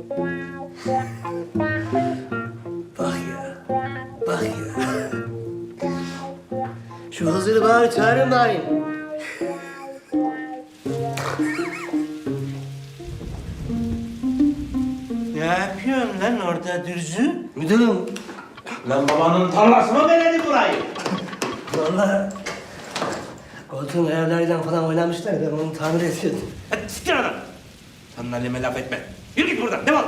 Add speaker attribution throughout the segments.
Speaker 1: Bak ya, bak ya. Şu Hızır'ı bari çağırın bari.
Speaker 2: Ne yapıyorsun lan orada dürzü?
Speaker 1: Müdürüm,
Speaker 2: Lan babanın tarlası mı beledi burayı?
Speaker 1: vallahi koltuğun ayarlarıyla falan oynamışlar. Ben onu tamir ediyordum.
Speaker 2: Hadi siktir adam. Sandalyeme laf etme. Yürü git buradan, defol.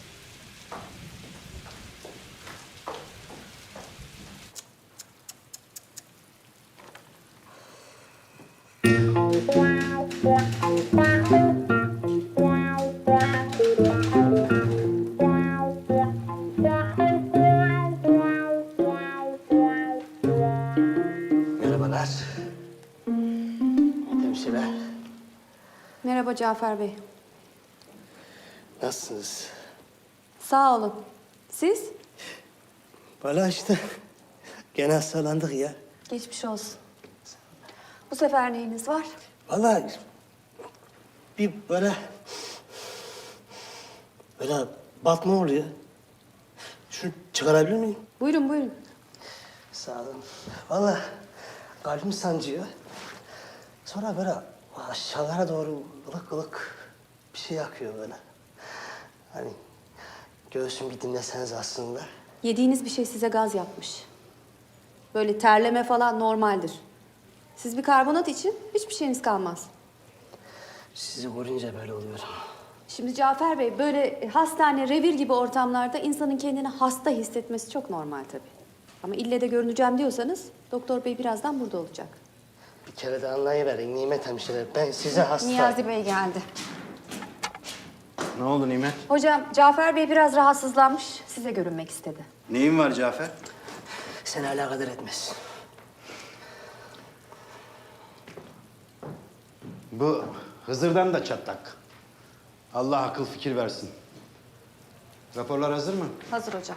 Speaker 1: Merhabalar. Hemşire,
Speaker 3: Merhaba Cafer Bey.
Speaker 1: nasılsınız?
Speaker 3: Sağ olun. Siz?
Speaker 1: Vallahi işte gene hastalandık ya.
Speaker 3: Geçmiş olsun. Bu sefer neyiniz var?
Speaker 1: Vallahi bir böyle batma oluyor. Şunu çıkarabilir miyim?
Speaker 3: Buyurun buyurun.
Speaker 1: Sağ olun. Vallahi kalbim sancıyor. Sonra böyle aşağılara doğru ılık ılık bir şey yakıyor böyle. Hani göğsüm bir dinleseniz aslında.
Speaker 3: Yediğiniz bir şey size gaz yapmış. Böyle terleme falan normaldir. Siz bir karbonat için hiçbir şeyiniz kalmaz.
Speaker 1: Sizi görünce böyle oluyorum.
Speaker 3: Şimdi Cafer Bey böyle hastane, revir gibi ortamlarda insanın kendini hasta hissetmesi çok normal tabii. Ama ille de görüneceğim diyorsanız doktor bey birazdan burada olacak.
Speaker 1: Bir kere de anlayıverin Nimet hemşire. Ben size hasta...
Speaker 3: Niyazi Bey geldi.
Speaker 4: Ne oldu Nimet?
Speaker 3: Hocam Cafer Bey biraz rahatsızlanmış. Size görünmek istedi.
Speaker 4: Neyin var Cafer?
Speaker 1: Seni alakadar etmez.
Speaker 4: Bu Hızır'dan da çatlak. Allah akıl fikir versin. Raporlar hazır mı?
Speaker 3: Hazır hocam.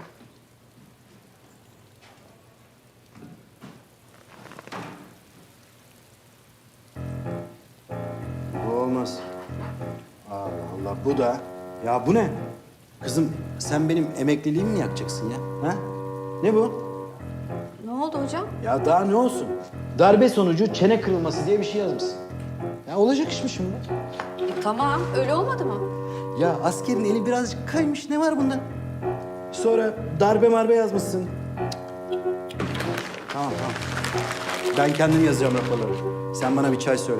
Speaker 4: Bu olmaz. Allah Allah bu da. Ya bu ne? Kızım sen benim emekliliğimi mi yakacaksın ya? Ha? Ne bu?
Speaker 3: Ne oldu hocam?
Speaker 4: Ya daha ne olsun? Darbe sonucu çene kırılması diye bir şey yazmışsın. Ya olacak iş mi şimdi?
Speaker 3: Tamam, öyle olmadı mı?
Speaker 4: Ya askerin eli birazcık kaymış. Ne var bunda? Sonra darbe marbe yazmışsın. Tamam tamam. Ben kendim yazacağım raporları. Sen bana bir çay söyle.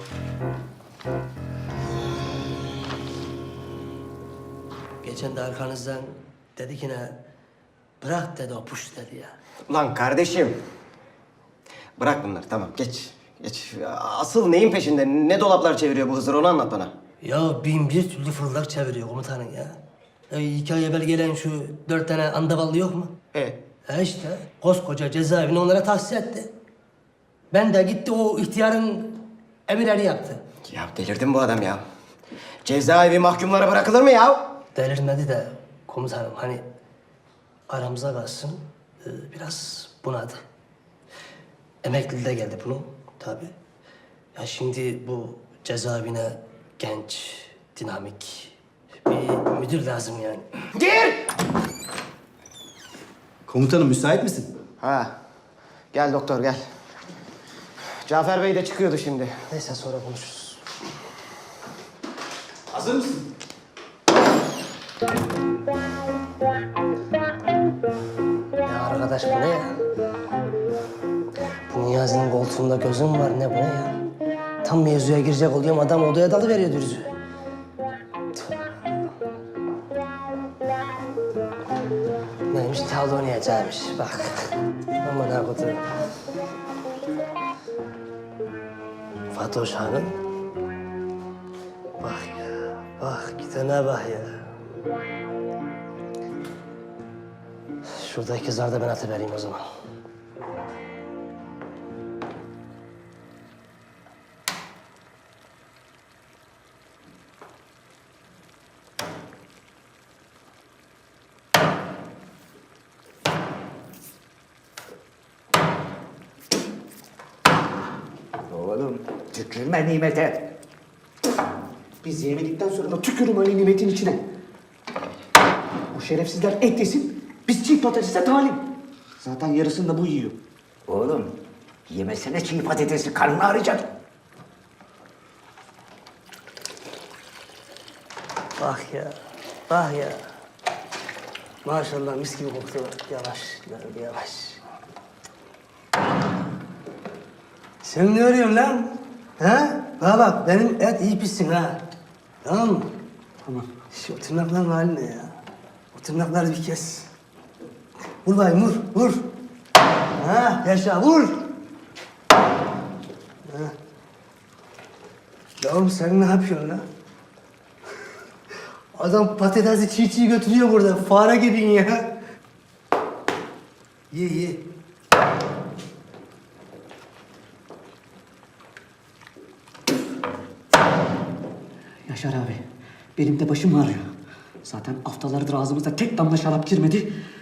Speaker 1: Geçen de arkanızdan dedi ki ne? Bırak dedi o puş dedi ya.
Speaker 5: Ulan kardeşim. Bırak bunları tamam geç. Geç. Asıl neyin peşinde? Ne dolaplar çeviriyor bu Hızır onu anlat bana.
Speaker 1: Ya bin bir türlü fırlak çeviriyor komutanın ya. 2 ay evvel gelen şu 4 tane andavallı yok mu? İşte koskoca cezaevini onlara tahsis etti. Ben de gitti o ihtiyarın emirleri yaptı.
Speaker 5: Ya delirdin bu adam ya. Cezaevi mahkumlara bırakılır mı ya?
Speaker 1: Delirmedi de komutanım hani aramıza kalsın biraz bunadı. Emekli de geldi bunun tabii. Ya şimdi bu cezaevine genç, dinamik bir müdür lazım yani.
Speaker 5: Gir!
Speaker 4: Komutanım müsait misin?
Speaker 5: Ha. Gel doktor gel. Cafer Bey de çıkıyordu şimdi.
Speaker 1: Neyse sonra konuşuruz.
Speaker 4: Hazır mısın?
Speaker 1: Ya arkadaş bu ne ya? Bu Niyazi'nin koltuğunda gözüm var ne bu ne ya? Tam mevzuya girecek oluyorum adam odaya dalıveriyor dürzü. Neymiş tavla oynayacakmış bak. Aman ha kutu. Fatoş Hanım. Bak ya, bak gidene bak ya. Şuradaki kızlar da ben atıvereyim o zaman.
Speaker 6: Oğlum tükürme nimete. Biz yemedikten sonra da tükürüm öyle nimetin içine. Bu şerefsizler et yesin, biz çiğ patatese talim. Zaten yarısını da bu yiyor. Oğlum, yemesene çiğ patatesi, karnını ağrıyacak.
Speaker 1: Bak ya, bak ya. Maşallah mis gibi koktu. Yavaş, yavaş. Sen ne arıyorsun lan? Ha? Bana bak, benim et iyi pişsin ha. Tamam mı? Tamam. Şu tırnakların hali ne ya? O tırnakları bir kes. Vur bayım, vur, vur. Ha, yaşa, vur. Ha. Ya oğlum sen ne yapıyorsun lan? Adam patatesi çiğ çiğ götürüyor burada. Fare gibin ya. Ye ye.
Speaker 6: Yaşar abi, benim de başım ağrıyor. Zaten haftalardır ağzımıza tek damla şarap girmedi.